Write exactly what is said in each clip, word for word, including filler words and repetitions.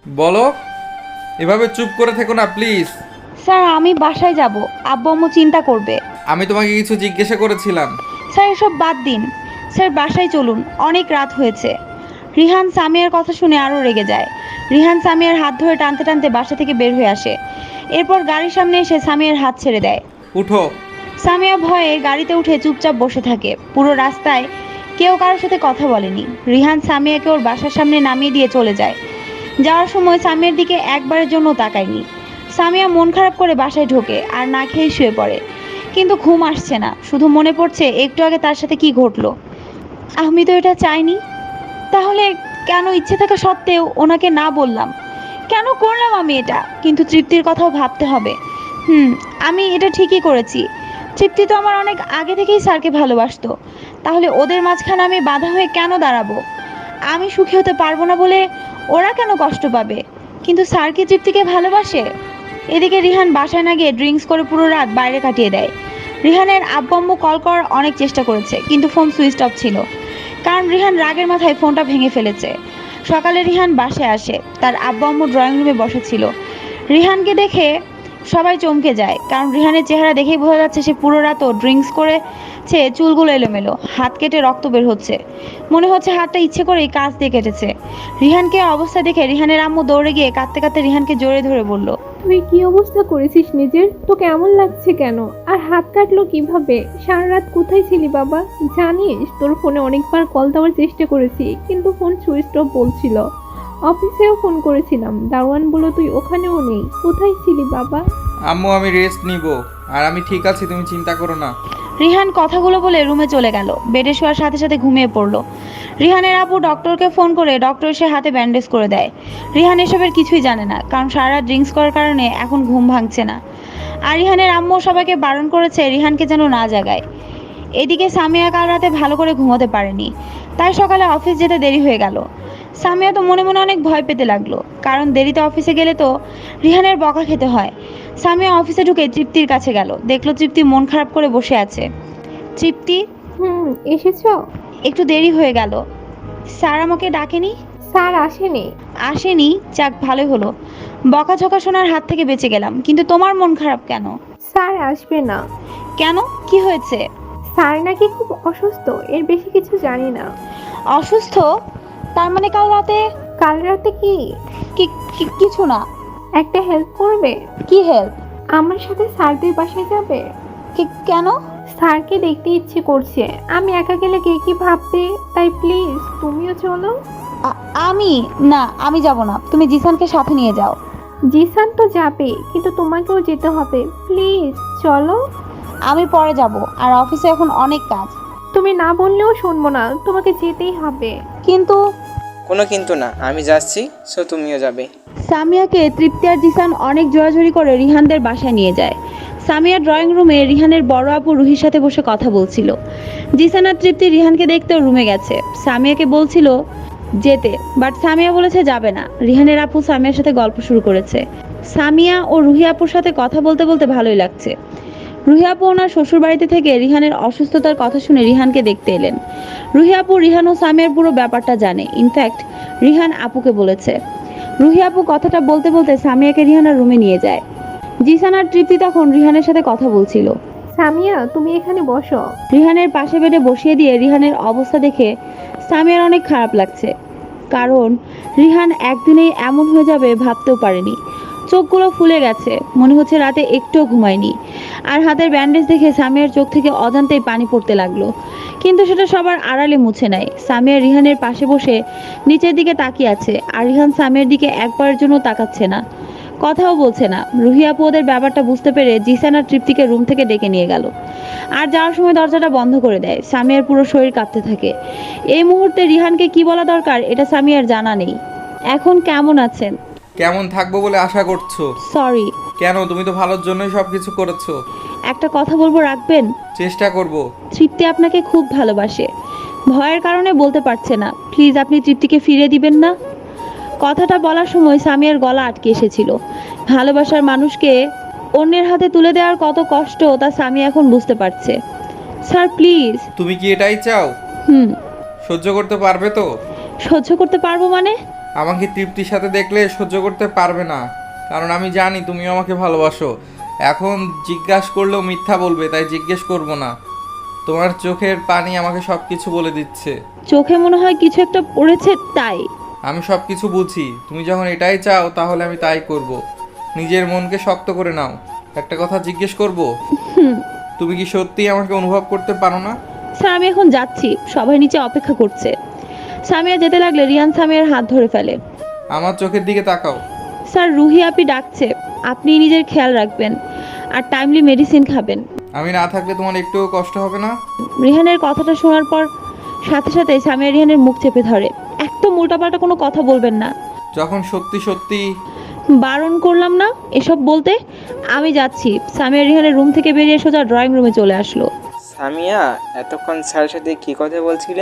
বলো। এভাবে চুপ করে থেকো না প্লিজ। স্যার আমি বাসায় যাব, আব্বু আম্মু চিন্তা করবে। আমি তোমাকে কিছু জিজ্ঞাসা করেছিলাম। স্যার এসব বাদ দিন, স্যার বাসায় চলুন, অনেক রাত হয়েছে। রিহান সামিয়ার কথা শুনে আরও রেগে যায়। রিহান সামিয়ার হাত ধরে টানতে টানতে বাসা থেকে বের হয়ে আসে। এরপর গাড়ির সামনে এসে সামিয়ার হাত ছেড়ে দেয়। উঠো। সামিয়া ভয়ে গাড়িতে উঠে চুপচাপ বসে থাকে। পুরো রাস্তায় কেউ কারোর সাথে কথা বলেনি। রিহান সামিয়াকে ওর বাসার সামনে নামিয়ে দিয়ে চলে যায়। যাওয়ার সময় সামিয়ার দিকে একবারের জন্য তাকায়নি। সামিয়া মন খারাপ করে বাসায় ঢোকে আর না খেয়ে শুয়ে পড়ে। কিন্তু ঘুম আসছে না, শুধু মনে পড়ছে একটু আগে তার সাথে কি ঘটলো। আমি তো এটা চাইনি, তাহলে কেন ইচ্ছে থাকা সত্ত্বেও ওনাকে না বললাম? কেন করলাম আমি এটা? কিন্তু তৃপ্তির কথাও ভাবতে হবে। হুম, আমি এটা ঠিকই করেছি। তৃপ্তি তো আমার অনেক আগে থেকেই স্যারকে ভালোবাসতো, তাহলে ওদের মাঝখানে আমি বাধা হয়ে কেন দাঁড়াবো? আমি সুখী হতে পারবো না বলে ওরা কেন কষ্ট পাবে? কিন্তু স্যার কি তৃপ্তিকে ভালোবাসে? এদিকে রিহান বাসায় না গিয়ে ড্রিঙ্কস করে পুরো রাত বাইরে কাটিয়ে দেয়। রিহানের আব্বু আম্মু কল করার অনেক চেষ্টা করেছে, কিন্তু ফোন সুইচ অফ ছিল, কারণ রিহান রাগের মাথায় ফোনটা ভেঙে ফেলেছে। সকালে রিহান বাসায় আসে, তার আব্বু আম্মু ড্রয়িং রুমে বসা ছিল। রিহানকে দেখে সবাই চমকে যায়, কারণ রিহানের চেহারা দেখেই বোঝা যাচ্ছে সে পুরো রাতও ড্রিঙ্কস করেছে। চুলগুলো এলোমেলো, হাত কেটে রক্ত বের হচ্ছে, মনে হচ্ছে হাতটা ইচ্ছে করেই কাঁচ দিয়ে কেটেছে। রিহানকে অবস্থা দেখে রিহানের আম্মু দৌড়ে গিয়ে কাঁদতে কাঁদতে রিহানকে জড়িয়ে ধরে বলল, তুই কি অবস্থা করেছিস নিজের? তো কেমন লাগছে কেন? আর হাত কাটলো কিভাবে? সারা রাত কোথায় ছিলি বাবা? জানিস তোর ফোনে অনেকবার কল দেওয়ার চেষ্টা করেছি, কিন্তু ফোন সুইচ অফ বলছিল। অফিসেও ফোন করেছিলাম, দারোয়ান বলল তুই ওখানেও নেই। কোথায় ছিলি বাবা? আম্মু আমি রেস্ট নিব, আর আমি ঠিক আছি, তুমি চিন্তা করো না। রিহান কথাগুলো বলে রুমে চলে গেল। বেডে শোয়ার সাথে সাথে ঘুমিয়ে পড়লো। রিহানের আপু ডক্টরকে ফোন করে ডক্টর এসে হাতে ব্যান্ডেজ করে দেয়। রিহান এসবের কিছুই জানে না, কারণ সারা রাত ড্রিঙ্কস করার কারণে এখন ঘুম ভাঙছে না। আর রিহানের আম্মু সবাইকে বারণ করেছে রিহানকে যেন না জাগায়। এদিকে সামিয়া কাল রাতে ভালো করে ঘুমোতে পারেনি, তাই সকালে অফিস যেতে দেরি হয়ে গেল। সামিয়া তো মনে মনে অনেক ভয় পেতে লাগলো, কারণ দেরিতে অফিসে গেলে তো রিহানের বকা খেতে হয়। সামিয়া অফিসে ঢুকে তৃপ্তির কাছে গেল, দেখলো তৃপ্তি মন খারাপ করে বসে আছে। তৃপ্তি, হুম, এসেছো? একটু দেরি হয়ে গেল। স্যার আমাকে ডাকেনি? স্যার আসেনি। আসেনি? যাক ভালোই হলো, বকাঝকা শোনার হাত থেকে বেঁচে গেলাম। কিন্তু তোমার মন খারাপ কেন? স্যার আসবে না। কেন, কি হয়েছে? স্যার নাকি খুব অসুস্থ, এর বেশি কিছু জানি না। অসুস্থ? তার মানে কাল রাতে? কাল রাতে কি? কি- কি- কিছু না। একটা হেল্প করবে? কি হেল্প? আমার সাথে স্যারদের বাসায় যাবে? কেন? স্যারকে দেখতে ইচ্ছে করছে, আমি একা গেলে কে কি ভাববে, তাই প্লিজ তুমিও চলো। আ- আমি? না, আমি যাব না, তুমি জিসানকে সাথে নিয়ে যাও। জিসান তো যাবে, কিন্তু তোমাকেও যেতে হবে, প্লিজ চলো। আমি পরে যাব, আর অফিসে এখন অনেক কাজ। তুমি না বললেও শুনবো না, তোমাকে যেতেই হবে। কিন্তু কোনো কিন্তু না, আমি যাচ্ছি, সো তুমিও যাবে। সামিয়াকে তৃপ্তি আর জিসান অনেক জোরাজুরি করে রিহানদের বাসায় নিয়ে যায়। সামিয়া ড্রয়িং রুমে রিহানের বড় আপু রুহির সাথে বসে কথা বলছিল। জিসান আর তৃপ্তি রিহানকে দেখতেও রুমে গেছে। সামিয়াকে বলছিল যেতে, বাট সামিয়া বলেছে যাবে না। রিহানের আপু সামিয়ার সাথে গল্প শুরু করেছে। সামিয়া ও রুহি আপুর সাথে কথা বলতে বলতে ভালোই লাগছে। রুহি আপু ওনার শ্বশুর বাড়িতে থেকে রিহানের অসুস্থতার কথা শুনে রিহানকে দেখতে এলেন। রুহি আপু রিহান ও সামিয়ার পুরো ব্যাপারটা জানে, ইনফ্যাক্ট রিহান আপুকে বলেছে। রুহি আপু কথাটা বলতে বলতে সামিয়াকে রিহানার রুমে নিয়ে যায়। জিসান আর তৃপ্তি তখন রিহানের সাথে কথা বলছিল। সামিয়া তুমি এখানে বসো। রিহানের পাশে বেডে বসিয়ে দিয়ে রিহানের অবস্থা দেখে সামিয়ার অনেক খারাপ লাগছে, কারণ রিহান একদিনেই এমন হয়ে যাবে ভাবতেও পারেনি। চোখগুলো ফুলে গেছে, মনে হচ্ছে রাতে একটুও ঘুমায়নি। আর হাতের ব্যান্ডেজ দেখে সামিয়ার চোখ থেকে অজান্তেই পানি পড়তে লাগলো, কিন্তু সেটা সবার আড়ালে মুছে নেয়। সামিয়া রিহানের পাশে বসে নিচের দিকে তাকিয়ে আছে, আর রিহান সামিয়ার দিকে একবারের জন্য তাকাচ্ছে না, কথাও বলছে না। রুহি আপু ওদের ব্যাপারটা বুঝতে পেরে জিসান আর তৃপ্তিকে রুম থেকে ডেকে নিয়ে গেল, আর যাওয়ার সময় দরজাটা বন্ধ করে দেয়। সামিয়ার পুরো শরীর কাঁপতে থাকে। এই মুহূর্তে রিহানকে কি বলা দরকার এটা সামিয়ার জানা নেই। এখন কেমন আছেন? কেমন থাকবো বলে আশা করছো? সরি। কেন, তুমি তো ভালোর জন্যই সব কিছু করেছো। একটা কথা বলবো, রাখবেন? চেষ্টা করব। তৃপ্তি আপনাকে খুব ভালোবাসে, ভয়ের কারণে বলতে পারছে না। প্লিজ আপনি তৃপ্তিকে ফিরিয়ে দিবেন না? কথাটা বলার সময় সামিয়ার গলা আটকে এসেছিল। ভালোবাসার মানুষকে অন্যের হাতে তুলে দেওয়ার কত কষ্ট তা সামিয়া এখন বুঝতে পারছে। Sir please. তুমি কি এটাই চাও? হুম। সহ্য করতে পারবে তো? সহ্য করতে পারবো মানে? আমাকে তৃপ্তির সাথে দেখলে সহ্য করতে পারবে না, কারণ আমি জানি তুমিও আমাকে ভালোবাসো। এখন জিজ্ঞাসা করলেও মিথ্যা বলবে, তাই জিজ্ঞেস করব না। তোমার চোখের পানি আমাকে সব কিছু বলে দিচ্ছে। চোখে মনে হয় কিছু একটা পড়েছে তাই। আমি সব কিছু বুঝি, তুমি যখন এটাই চাও তাহলে আমি তাই করব। নিজের মনকে শক্ত করে নাও। একটা কথা জিজ্ঞেস করব, তুমি কি সত্যিই আমাকে অনুভব করতে পারো না? স্যার আমি এখন যাচ্ছি, সবাই নিচে অপেক্ষা করছে। সামিয়া যেতে লাগলে রিহান সামিয়ার হাত ধরে ফেলে। আমার চোখের দিকে তাকাও। স্যার রুহি আপি ডাকছে, আপনি নিজের খেয়াল রাখবেন আর টাইমলি মেডিসিন খাবেন। আমি না থাকলে তোমার একটুও কষ্ট হবে না? রিহানের কথাটা শোনার পর সাথে সাথে সামিয়া রিহানের মুখ চেপে ধরে। একদম উল্টাপাল্টা কোনো কথা বলবেন না। যখন সত্যি সত্যি বারণ করলাম না এসব বলতে। আমি যাচ্ছি। সামিয়া রিহানের রুম থেকে বেরিয়ে সোজা ড্রয়িং রুমে চলে আসলো। সামিয়া, এতক্ষণ স্যারের সাথে কী কথা বলছিলে?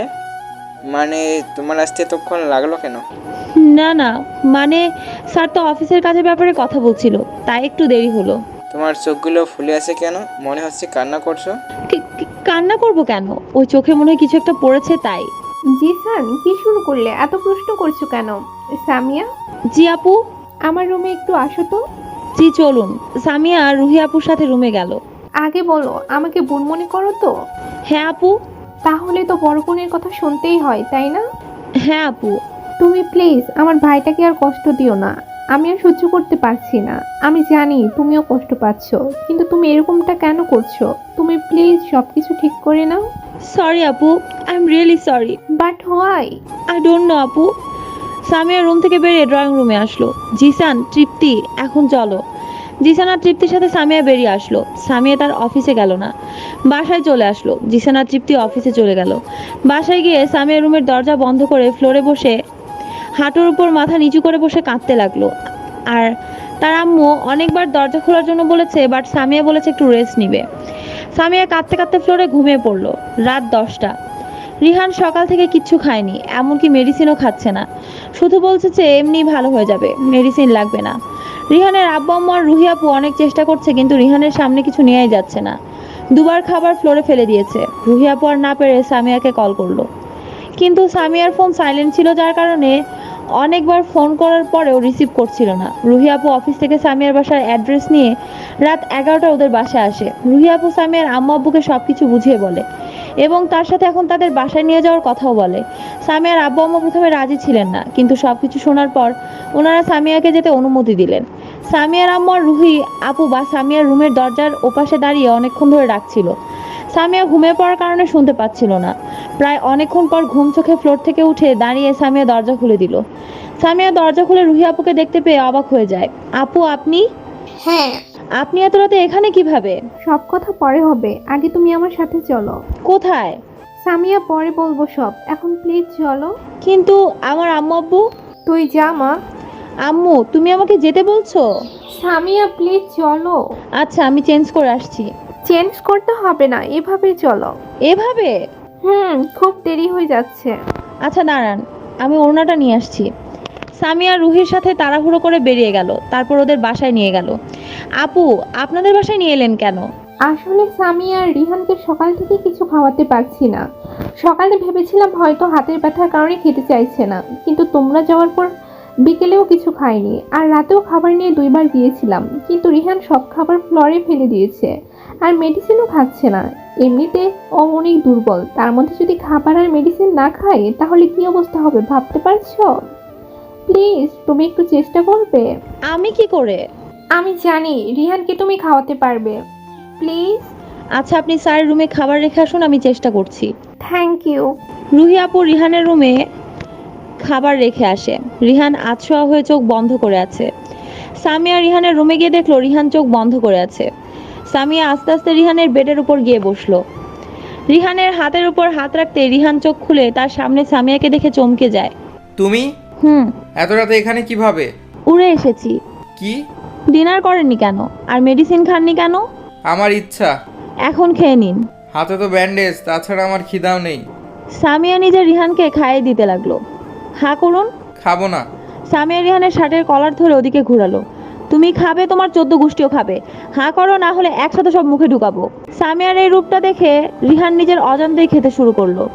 মানে তোমার আসতে এতক্ষণ লাগলো কেন? না না, মানে স্যার তো অফিসের কাজের ব্যাপারে কথা বলছিল, তাই একটু দেরি হলো। তোমার চোখগুলো ফুলে আছে কেন? মনে হচ্ছে কান্না করছো। কি- কি- কান্না করব কেন? ওই চোখে মনে হয় কিছু একটা পড়েছে তাই। জিসান, কি শুরু করলে? এত প্রশ্ন করছো কেন? সামিয়া, জি আপু। আমার রুমে একটু আসো তো। জি চলুন। সামিয়া রুহি আপুর সাথে রুমে গেল। আগে বলো, আমাকে বোন মনে করো তো? হ্যাঁ আপু। তাহলে তো বড় বোনের কথা শুনতেই হয়, তাই না? হ্যাঁ আপু। তুমি প্লিজ আমার ভাইটাকে আর কষ্ট দিও না। আমি আর সহ্য করতে পারছি না। আমি জানি তুমিও কষ্ট পাচ্ছ, কিন্তু তুমি এরকমটা কেন করছো? তুমি প্লিজ সব কিছু ঠিক করে নাও। সরি আপু, I am really sorry. But why? I don't know আপু। সামিয়া রুম থেকে বেরিয়ে ড্রয়িং রুমে আসলো। জিসান, তৃপ্তি, এখন চলো। জিসান আর তৃপ্তির সাথে সামিয়া বেরিয়ে আসলো। সামিয়া তার অফিসে গেল না, বাসায় চলে আসলো। জিসান আর তৃপ্তি অফিসে চলে গেল। বাসায় গিয়ে সামিয়া রুমের দরজা বন্ধ করে ফ্লোরে বসে হাঁটুর উপর মাথা নিচু করে বসে কাঁদতে লাগলো। আর তার আম্মু অনেকবার দরজা খোলার জন্য বলেছে, বাট সামিয়া বলেছে একটু রেস্ট নিবে। সামিয়া কাঁদতে কাঁদতে ফ্লোরে ঘুমিয়ে পড়লো। রাত দশটা। রিহান সকাল থেকে কিচ্ছু খায়নি, এমনকি মেডিসিনও খাচ্ছে না। শুধু বলছে যে এমনি ভালো হয়ে যাবে, মেডিসিন লাগবে না। রিহানের আব্বু আম্মু আর রুহি আপু অনেক চেষ্টা করছে, কিন্তু রিহানের সামনে কিছু নেওয়াই যাচ্ছে না। দুবার খাবার ফ্লোরে ফেলে দিয়েছে। রুহি আপু আর না পেরে সামিয়াকে কল করলো, কিন্তু সামিয়ার ফোন সাইলেন্ট ছিল, যার কারণে অনেকবার ফোন করার পরেও রিসিভ করছিল না। রুহি আপু অফিস থেকে সামিয়ার বাসার অ্যাড্রেস নিয়ে রাত এগারোটা ওদের বাসায় আসে। রুহি আপু সামিয়ার আম্মু আব্বুকে সব কিছু বুঝিয়ে বলে এবং তার সাথে এখন তাদের বাসায় নিয়ে যাওয়ার কথাও বলে। সামিয়ার আব্বু আম্মু প্রথমে রাজি ছিলেন না, কিন্তু সব কিছু শোনার পর ওনারা সামিয়াকে যেতে অনুমতি দিলেন। সামিয়ার আম্মু আর রুহি আপু বা সামিয়ার রুমের দরজার ওপাশে দাঁড়িয়ে অনেকক্ষণ ধরে ডাকছিল। সামিয়া ঘুমিয়ে পড়ার কারণে শুনতে পাচ্ছিল না। প্রায় অনেকক্ষণ পর ঘুম চোখে ফ্লোর থেকে উঠে দাঁড়িয়ে সামিয়া দরজা খুলে দিল। সামিয়া দরজা খুলে রুহি আপুকে দেখতে পেয়ে অবাক হয়ে যায়। আপু আপনি? হ্যাঁ। আপনি এত রাতে এখানে কিভাবে? সব কথা পরে হবে, আগে তুমি আমার সাথে চলো। কোথায়? সামিয়া, পরে বলবো সব, এখন প্লিজ চলো। কিন্তু আমার আম্মু আব্বু? তুই যা মা। আম্মু তুমি আমাকে যেতে বলছো? সামিয়া প্লিজ চলো। আচ্ছা আমি চেঞ্জ করে আসছি। চেঞ্জ করতে হবে না, এভাবে চলো। এভাবে? হুম, খুব দেরি হয়ে যাচ্ছে। আচ্ছা দাঁড়ান, আমি ওড়নাটা নিয়ে আসছি। সামিয়া রুহির সাথে তাড়াহুড়ো করে বেরিয়ে গেল, তারপর ওদের বাসায় নিয়ে গেল। আপু আপনাদের বাসায় নিয়ে এলেন কেন? আসলে সামিয়া আর রিহানকে সকাল থেকে কিছু খাওয়াতে পারছি না। সকালে ভেবেছিলাম হয়তো হাতের ব্যথার কারণে খেতে চাইছে না, কিন্তু তোমরা যাওয়ার পর বিকেলেও কিছু খাইনি, আর রাতেও খাবার নিয়ে দুইবার গিয়েছিলাম, কিন্তু রিহান সব খাবার ফ্লোরে ফেলে দিয়েছে আর মেডিসিনও খাচ্ছে না। এমনিতে ও অনেক দুর্বল, তার মধ্যে যদি খাবার আর মেডিসিন না খায় তাহলে কি অবস্থা হবে ভাবতে পারছো? প্লিজ তুমি একটু চেষ্টা করবে? আমি কি করে? আমি জানি রিহানকে তুমি খাওয়াতে পারবে, প্লিজ। আচ্ছা আপনি স্যারের রুমে খাবার রেখে আসুন, আমি চেষ্টা করছি। Thank you. রুহি আপু রিহানের রুমে খাবার রেখে আসে। রিহান আতশোয়া হয়ে চোখ বন্ধ করে আছে। সামিয়া রিহানের রুমে গিয়ে দেখলো রিহান চোখ বন্ধ করে আছে। সামিয়া আস্তে আস্তে রিহানের বেডের উপর গিয়ে বসলো। রিহানের হাতের উপর হাত রাখতে রিহান চোখ খুলে তার সামনে সামিয়াকে দেখে চমকে যায়। তুমি হুম। এত রাতে এখানে কিভাবে? উড়ে এসেছি। কি? ডিনার করেননি কেন? আর মেডিসিন খাননি কেন? আমার ইচ্ছা। এখন খেয়ে নিন। হাতে তো ব্যান্ডেজ, তাছাড়া আমার খিদাও নেই। সামিয়া নিজে রিহানকে খাইয়ে দিতে লাগলো। হ্যাঁ করুন। খাবো না। সামিয়া রিহানের শার্টের কলার ধরে ওদিকে ঘুরালো। তুমি খাবে, তোমার চোদ্দ গোষ্ঠীও খাবে। হাঁ করো, না হলে একসাথে সব মুখে ঢুকাবো। সামিয়ার এই রূপটা দেখে রিহান নিজের অজান্তেই খেতে শুরু করলো।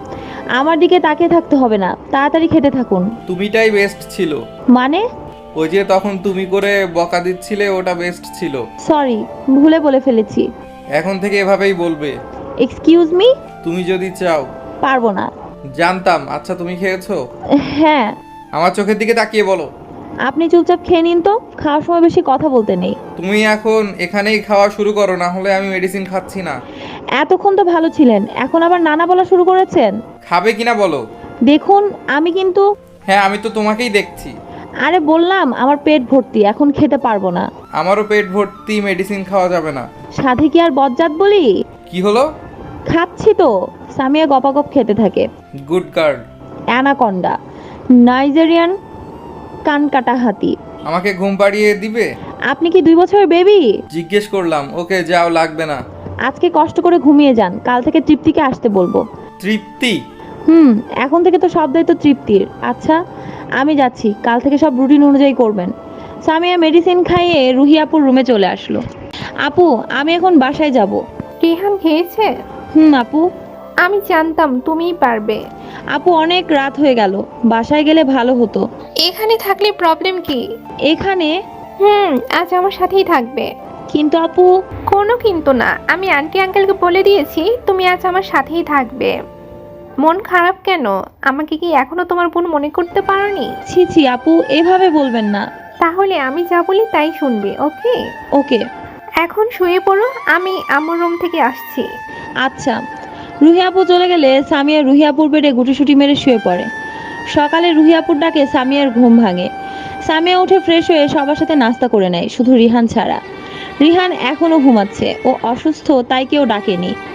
আমার দিকে তাকিয়ে থাকতে হবে না, তাড়াতাড়ি খেতে থাকুন। তুমিটাই বেস্ট ছিল। মানে? ওই যে তখন তুমি করে বকা দিচ্ছিলে, ওটা বেস্ট ছিল। সরি, ভুলে বলে ফেলেছি। এখন থেকে এভাবেই বলবে। Excuse me? তুমি যদি চাও। পারবো না। জানতাম। আচ্ছা তুমি খেয়েছো? হ্যাঁ। আমার চোখের দিকে তাকিয়ে বলো। আপনি চুপচাপ খেয়ে নিন তো, খাওয়ার সময় বেশি কথা বলতে নেই। তুমি এখন এখানেই খাওয়া শুরু করো, না হলে আমি মেডিসিন খাচ্ছি না। এতক্ষণ তো ভালো ছিলেন, এখন আবার নানা বলা শুরু করেছেন। খাবে কিনা বলো। দেখুন আমি কিন্তু। হ্যাঁ আমি তো তোমাকেই দেখছি। আরে বললাম আমার পেট ভর্তি, এখন খেতে পারবো না। আমারও পেট ভর্তি, মেডিসিন খাওয়া যাবে না। সাথে কি আর বজ্জাত বলি? কি হলো? খাচ্ছি তো। সামিয়া গপাগপ খেতে থাকে। Good girl. অ্যানাকন্ডা, নাইজেরিয়ান কানকাটা হাতি। আমাকে ঘুম পাড়িয়ে দিবে? আপনি কি দুই বছরের বেবি? জিজ্ঞেস করলাম। ওকে যাও, লাগবে না। আজকে কষ্ট করে ঘুমিয়ে যান, কাল থেকে তৃপ্তিকে আসতে বলবো। তৃপ্তি? হুম, এখন থেকে তো সব দায়িত্ব তৃপ্তির। আচ্ছা আমি যাচ্ছি, কাল থেকে সব রুটিন অনুযায়ী করবেন। সামিয়া মেডিসিন খাইয়ে রুহি আপুর রুমে চলে আসলো। আপু আমি এখন বাসায় যাব। রিহান খেয়েছে? হুম আপু। আমি জানতাম তুমিই পারবে। আপু অনেক রাত হয়ে গেল, বাসায় গেলে ভালো হতো। এখানে থাকলে প্রবলেম কি? এখানে? হুম, আজ আমার সাথেই থাকবে। কিন্তু আপু। কোনো কিন্তু না, আমি আন্টি আঙ্কেলকে বলে দিয়েছি তুমি আজ আমার সাথেই থাকবে। মন খারাপ কেন? আমাকে কি এখনো তোমার বোন মনে করতে পারোনি? ছি ছি আপু, এভাবে বলবেন না। তাহলে আমি যা বলি তাই শুনবে, ওকে? ওকে। এখন শুয়ে পড়ো, আমি আমার রুম থেকে আসছি। আচ্ছা। রুহি আপু চলে গেলে সামিয়া রুহি আপুর বেডে গুটিসুটি মেরে শুয়ে পড়ে। সকালে রুহি আপুর ডাকে সামিয়ার ঘুম ভাঙে। সামিয়া উঠে ফ্রেশ হয়ে সবার সাথে নাস্তা করে নেয়, শুধু রিহান ছাড়া। রিহান এখনো ঘুমাচ্ছে, ও অসুস্থ তাই কেউ ডাকেনি।